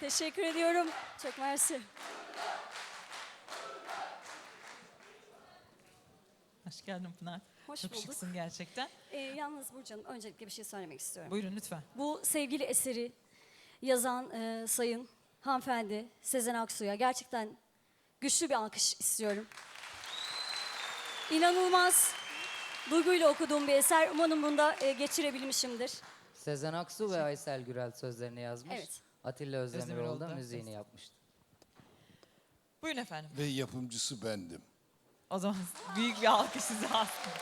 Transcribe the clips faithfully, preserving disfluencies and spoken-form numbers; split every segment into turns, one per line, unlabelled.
Teşekkür ediyorum. Çok mersi.
Hoş geldin Pınar.
Hoş
Çok
bulduk.
şıksın gerçekten.
Ee, yalnız Burcu Hanım, öncelikle bir şey söylemek istiyorum.
Buyurun lütfen.
Bu sevgili eseri yazan e, sayın hanımefendi Sezen Aksu'ya gerçekten güçlü bir alkış istiyorum. İnanılmaz duyguyla okuduğum bir eser. Umarım bunda e, geçirebilmişimdir.
Sezen Aksu ve Aysel Gürel sözlerini yazmış.
Evet.
Atilla Özdemiroğlu
Özdemiroğlu
da
da
müziğini
ses.
yapmıştı.
Buyurun efendim.
Ve yapımcısı bendim.
O zaman büyük bir alkış size aslında.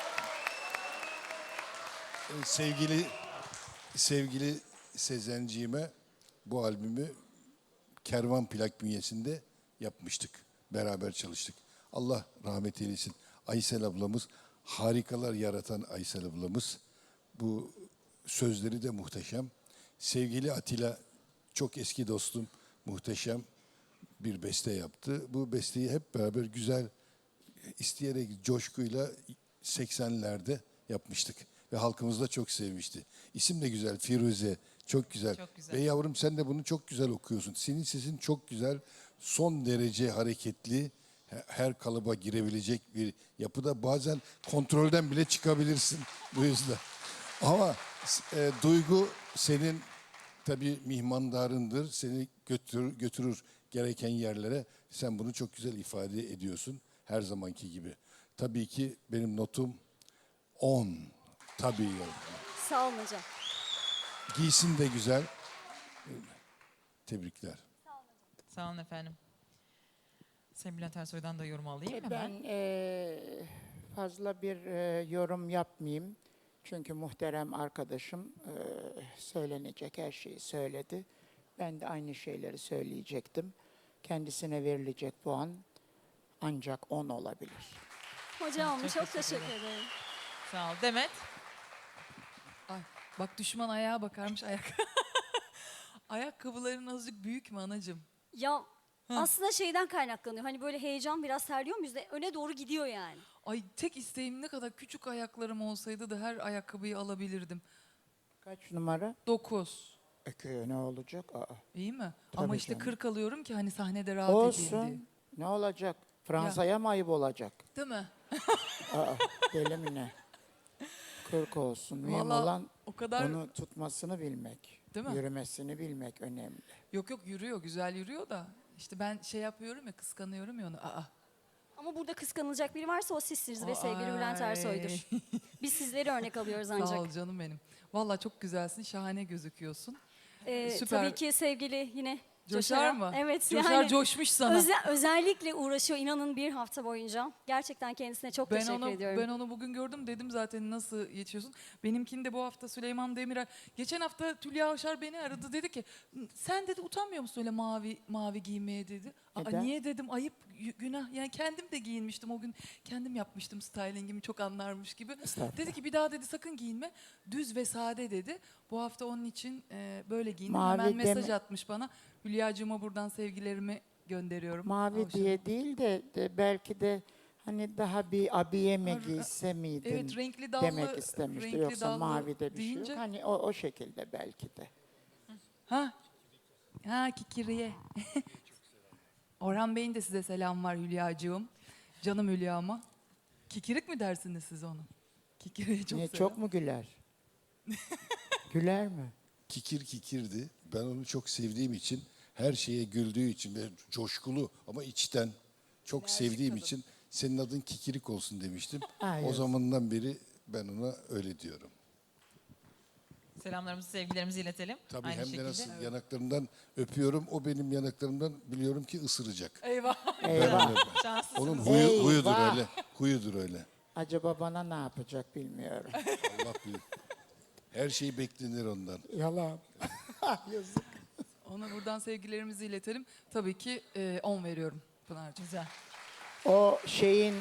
Ee, Sevgili sevgili Sezenciğime bu albümü Kervan Plak bünyesinde yapmıştık. Beraber çalıştık. Allah rahmet eylesin. Aysel ablamız, harikalar yaratan Aysel ablamız. Bu sözleri de muhteşem. Sevgili Atilla, çok eski dostum, muhteşem bir beste yaptı. Bu besteyi hep beraber güzel, isteyerek, coşkuyla seksenlerde yapmıştık. Ve halkımız da çok sevmişti. İsim de güzel, Firuze. Çok güzel.
Çok güzel.
Ve yavrum sen de bunu çok güzel okuyorsun. Senin sesin çok güzel, son derece hareketli, he- her kalıba girebilecek bir yapıda. Bazen kontrolden bile çıkabilirsin bu yüzden. Ama e, duygu senin tabii mihmandarındır. Seni götürür, götürür gereken yerlere. Sen bunu çok güzel ifade ediyorsun. Her zamanki gibi. Tabii ki benim notum on. Tabii yavrum.
Sağ olun hocam.
Giysin de güzel. Tebrikler.
Sağ olun efendim. Sayın Bülent Ersoy'dan da yorum alayım hemen.
Ben eee, fazla bir eee, yorum yapmayayım. Çünkü muhterem arkadaşım eee, söylenecek her şeyi söyledi. Ben de aynı şeyleri söyleyecektim. Kendisine verilecek puan ancak on olabilir.
Hocam
Çok
çok,
teşekkür
teşekkür ederim.
Sağ ol. Demet.
Ay, bak düşman ayağa bakarmış ayak. Ayakkabıların azıcık büyük mü anacığım?
Ya aslında şeyden kaynaklanıyor. Hani böyle heyecan biraz terliyor muyuz da öne doğru gidiyor yani.
Ay tek isteğim ne kadar küçük ayaklarım olsaydı da her ayakkabıyı alabilirdim.
Kaç numara?
Dokuz.
Öküyor ne olacak? Aa,
İyi mi?
Tabii
Ama işte
canım.
kırk alıyorum ki hani sahnede rahat edeyim diye.
olsun. Ne olacak? Fransa'ya mı ayıp olacak?
Değil mi?
Aa, deli mi ne? kırk olsun. Mühim
Vallahi
olan
o kadar-
onu tutmasını bilmek.
Değil mi?
Yürümesini bilmek önemli.
Yok yok yürüyor, güzel yürüyor da. İşte ben şey yapıyorum ya, kıskanıyorum ya onu. Aa.
Ama burada kıskanılacak biri varsa o sizsiniz ve sevgili Bülent
Ay.
Ersoy'dur. Biz sizleri örnek alıyoruz ancak.
Sağ ol canım benim. Vallahi çok güzelsin, şahane gözüküyorsun.
Ee,
Süper.
Tabii ki sevgili yine
Coşar
Coşar'a-
mı?
Evet.
Coşar
yani
coşmuş sana.
öze- özellikle uğraşıyor inanın bir hafta boyunca. Gerçekten kendisine çok
Ben
teşekkür
onu
ediyorum.
ben onu bugün gördüm, dedim zaten nasıl yetişiyorsun. Benimkini de bu hafta Süleyman Demirel. Geçen hafta Tülya Avşar beni aradı, dedi ki sen dedi utanmıyor musun öyle mavi mavi giymeye dedi. Aa,
Neden?
niye dedim, ayıp y- günah, yani kendim de giyinmiştim o gün, kendim yapmıştım stylingimi, çok anlarmış gibi.
Estağfurullah.
Dedi ki bir daha dedi sakın giyinme, düz ve sade dedi. Bu hafta onun için e, böyle giyindim.
Mavi
Hemen mesaj
deme-
atmış bana. Hülya'cığıma buradan sevgilerimi gönderiyorum.
Mavi
Avşar'a.
diye değil de, de belki de hani daha bir abiye mi
Har-
giyse miydin
Evet, renkli dallı,
demek istemişti.
renkli
Yoksa
dallı
mavi de bir şey
deyince-
yok. Hani o, o şekilde belki de.
Ha? Ha, Kikiriye. Orhan Bey'in de size selam var Hülya'cığım. Canım Hülya'ma. Kikirik mi dersiniz siz onu? Kikiriye çok
Niye
selam.
çok mu güler? Güler mi?
Kikir kikirdi. Ben onu çok sevdiğim için, her şeye güldüğü için ve coşkulu ama içten çok sevdiğim için senin adın Kikirik olsun demiştim.
Aa,
O
yazık.
zamandan beri ben ona öyle diyorum.
Selamlarımızı, sevgilerimizi iletelim.
Tabii
Aynı
hem
şekilde.
de nasıl yanaklarından öpüyorum. O benim yanaklarımdan biliyorum ki ısıracak.
Eyvah.
Eyvah.
Şanslısınız.
Onun huyu, huyudur
Eyvah.
öyle. Huyudur öyle.
Acaba bana ne yapacak bilmiyorum.
Allah bilir. Her şey beklenir ondan.
Yalan. Yazık.
Ona buradan sevgilerimizi iletelim. Tabii ki e, on veriyorum Pınar'cığım.
Güzel.
O şeyin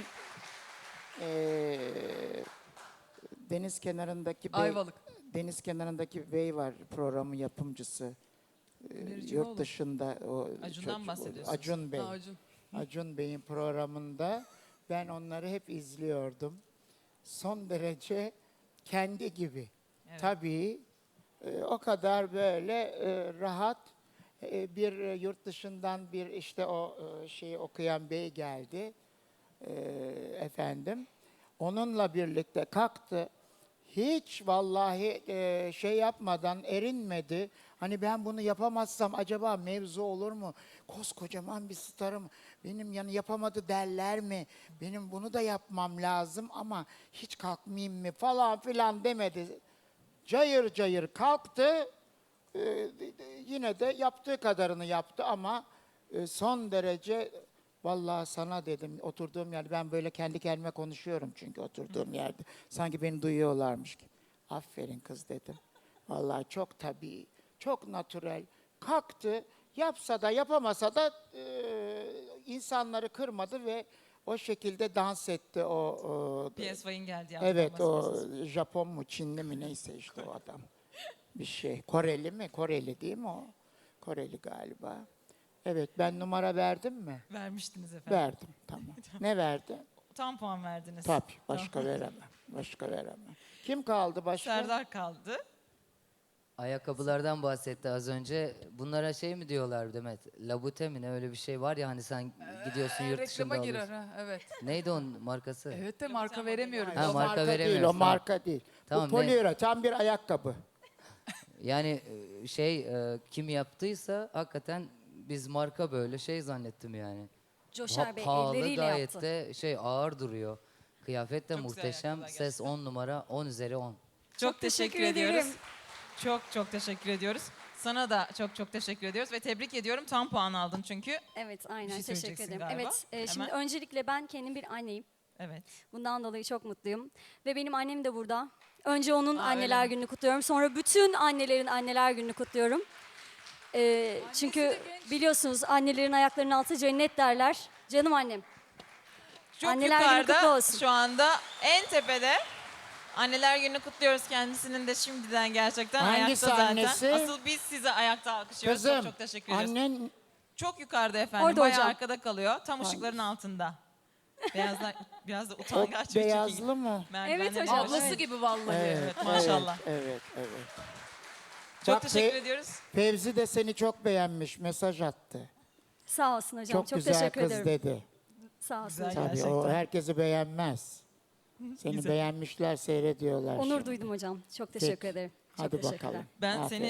eee, deniz kenarındaki bey,
Ayvalık.
deniz kenarındaki bey var programın yapımcısı. Eee,
Demircioğlu.
yurt dışında o
Acun'dan
çocuk-
bahsediyorsunuz.
Acun Bey.
Ha, Acun.
Acun Bey'in programında ben onları hep izliyordum. Son derece kendi gibi.
Evet.
Tabii e, o kadar böyle e, rahat. E, bir e, yurt dışından bir işte o e, şeyi okuyan bey geldi. E, efendim. Onunla birlikte kalktı. Hiç vallahi e, şey yapmadan erinmedi. Hani ben bunu yapamazsam acaba mevzu olur mu? Koskocaman bir starım. Benim yani yapamadı derler mi? Benim bunu da yapmam lazım ama hiç kalkmayayım mı falan filan demedi. Cayır cayır kalktı. Ee, yine de yaptığı kadarını yaptı ama e, son derece vallahi sana dedim oturduğum yerde ben böyle kendi kendime konuşuyorum çünkü oturduğum yerde sanki beni duyuyorlarmış gibi. Aferin kız dedim. Vallahi çok tabii, çok natürel. Kalktı, yapsa da yapamasa da e, insanları kırmadı ve o şekilde dans etti o. o
P S Y'in geldi.
evet o Japon mu Çinli mi neyse işte o adam. Bir şey. Koreli mi? Koreli değil mi o? Koreli galiba. Evet ben numara verdim mi?
Vermiştiniz efendim.
Verdim tamam. Ne verdi?
Tam puan verdiniz.
Tabii başka veremem. Başka veremem. Kim kaldı başka?
Serdar kaldı.
Ayakkabılardan bahsetti az önce. Bunlara şey mi diyorlar Demet? Labute mi ne öyle bir şey var ya hani sen gidiyorsun yurt dışında
Reklama girer
alıyorsun.
ha, evet.
Neydi onun markası?
Evet de marka veremiyoruz.
Ha,
o
marka
marka değil,
veremiyoruz,
o
tamam.
marka değil.
Tamam,
Bu
ne?
poliüretan bir ayakkabı.
Yani e, şey e, kim yaptıysa hakikaten biz marka böyle şey zannettim yani.
Coşar
Pa-
Bey
pahalı
elleriyle
gayet
yaptı.
de şey ağır duruyor. Kıyafet de
Çok güzel
muhteşem.
ayakkabılar
Ses
gerçekten.
on numara, on üzeri on.
Çok,
Çok
teşekkür,
teşekkür ederim.
ediyoruz. Çok çok teşekkür ediyoruz. Sana da çok çok teşekkür ediyoruz ve tebrik ediyorum. Tam puan aldın çünkü.
Evet aynen
şey
teşekkür
söyleyeceksin
ederim.
galiba.
Evet e, şimdi
Hemen.
öncelikle ben kendim bir anneyim.
Evet.
Bundan dolayı çok mutluyum. Ve benim annem de burada. Önce onun
Aa,
anneler
öyle mi?
gününü kutluyorum. Sonra bütün annelerin anneler gününü kutluyorum. Ee, çünkü biliyorsunuz annelerin ayaklarının altı cennet derler. Canım annem.
Çok
Anneler günü
yukarıda
kutlu olsun.
şu anda en tepede. Anneler gününü kutluyoruz kendisinin de şimdiden gerçekten
Hangisi
ayakta zaten.
annesi?
Asıl biz size ayakta alkışlıyoruz.
Kızım
Çok çok teşekkür ediyoruz.
annen
Çok yukarıda efendim.
Orada
Bayağı
hocam.
arkada kalıyor. Tam ışıkların altında. Beyazlar biraz da
o
utangaç bir
beyazlı mı?
Evet hocam.
yavaş.
Ablası
Evet.
gibi vallahi.
Evet, maşallah.
Evet, evet, evet.
Çok
Bak,
teşekkür
Fe-
ediyoruz.
Fevzi de seni çok beğenmiş, mesaj attı.
Sağ olsun hocam.
Çok,
Çok,
güzel
teşekkür
kız
ederim.
dedi.
Sağ olsun
Güzel
hocam.
Tabii
Gerçekten.
o herkesi beğenmez. Seni
Güzel.
beğenmişler, seyrediyorlar
Onur
şimdi.
duydum hocam. Çok teşekkür
Peki.
ederim. Çok
Hadi
teşekkürler.
bakalım.
Ben
Aferin.
seni